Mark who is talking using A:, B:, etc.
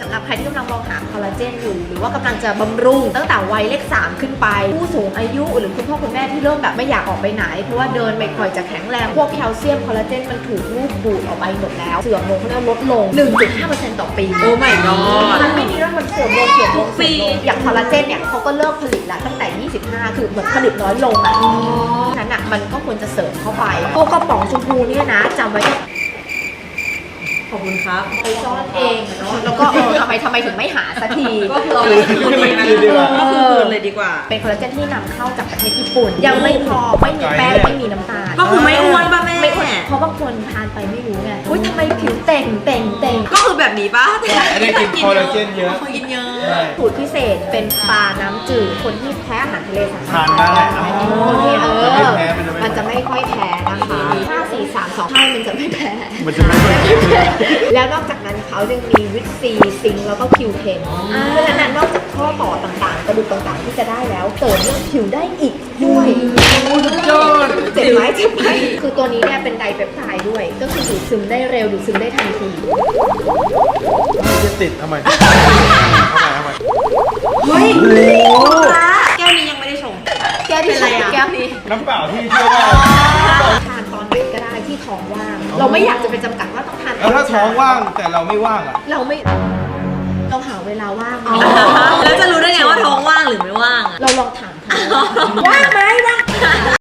A: สำหรับใครที่กำลังมองหาคอลลาเจนอยู่หรือว่ากำลังจะบำรุงตั้งแต่วัยเลข3ขึ้นไปผู้สูงอายุหรือคุณพ่อคุณแม่ที่เริ่มแบบไม่อยากออกไปไหนเพราะว่าเดินไม่ค่อยจะแข็งแรงพวกแคลเซียมคอลลาเจนมันถูกรูดดูดออกไปหมดแล้วเสื่อมลงเขาเรียกลดลง 1.5% ต่อปี
B: โอ้ my god
A: มันไม่ดีแล้วมันเสื่อมลงอย่างคอลลาเจนเนี่ยเขาก็เลิกผลิตแล้วตั้งแต่ 25 คือเหมือนผลิตน้อยลงอ่ะนั้นอ่ะมันก็ควรจะเสริมเข้าไปตัวกระป๋องชมพูเนี่ยนะจำไว้
B: ขอบคุณครับ
A: ไปซ่อนเองเนาะแล้วก็ทำไมถึงไม่หาสักที
B: ก็คือเราคืนดีนะก็คือคืนเลยดีกว่า
A: เป็นคอลลาเจนที่นำเข้าจากประเทศญี่ปุ่น ยังไม่พอไม่มีแป้งไม่มีน้ำตาล
B: ก็คือไม่อ้วนป่ะแม่
A: ไม่อ้วนเพราะบางคนทานไปไม่รู้ไงอุ้ยทำไมผิวเต่ง
B: ก็คือแบบนี้ป่ะ
C: อันนี้กินคอลลาเจนเยอะ
B: กินเยอะ
A: สูตรพิเศษเป็นปลาน้ำจืดคนที่แพ้อาหารทะเลสามารถ
C: ทานได้
A: คนที่
C: มันไม่แพ้มั
A: มัน
C: น
A: จะ
C: จะ
A: ไม่
C: ไม่
A: ค่อยแพ้นะคะ5 4 3 2 5มันจะไม่แพ้
C: มันจะไม่ค่อยแพ้
A: แล้วนอกจากนั้นเขายังมีวิตซีซิงแล้วก็คิวเทนเพราะฉะนั้นนอกจากข้อต่อต่างๆ กระดูกต่างๆที่จะได้แล้วเสริมเรื่องผิวได้อีกด้วยยอดเจ็บไหมคือตัวนี้เนี่ยเป็นไดเปปไทด์ด้วย ก็คือดูดซึมได้เร็วดูดซึมได้ทันที
C: จะติดทำไมทำไม
B: เฮ้ยแก้วนี้ยังไม่ได้ชง
A: แก้วที่
B: เป็นไรอะ
A: แก้วนี้
C: น้ำเปล่าที่เชื่อว่า
A: ทานตอนไหนก็ได้ที่ท้องว่าง เราไม่อยากจะไปจำกัดว่าต้องทาน
C: แล้วถ้าท้องว่างแต่เราไม่ว่างอ่ะ
A: เราหาเวลาว่าง
B: แล้วจะรู้ได้ไงว่าท้องว่างหรือไม่ว่างอะ
A: เราลองถามเขาว่างไหมว่าง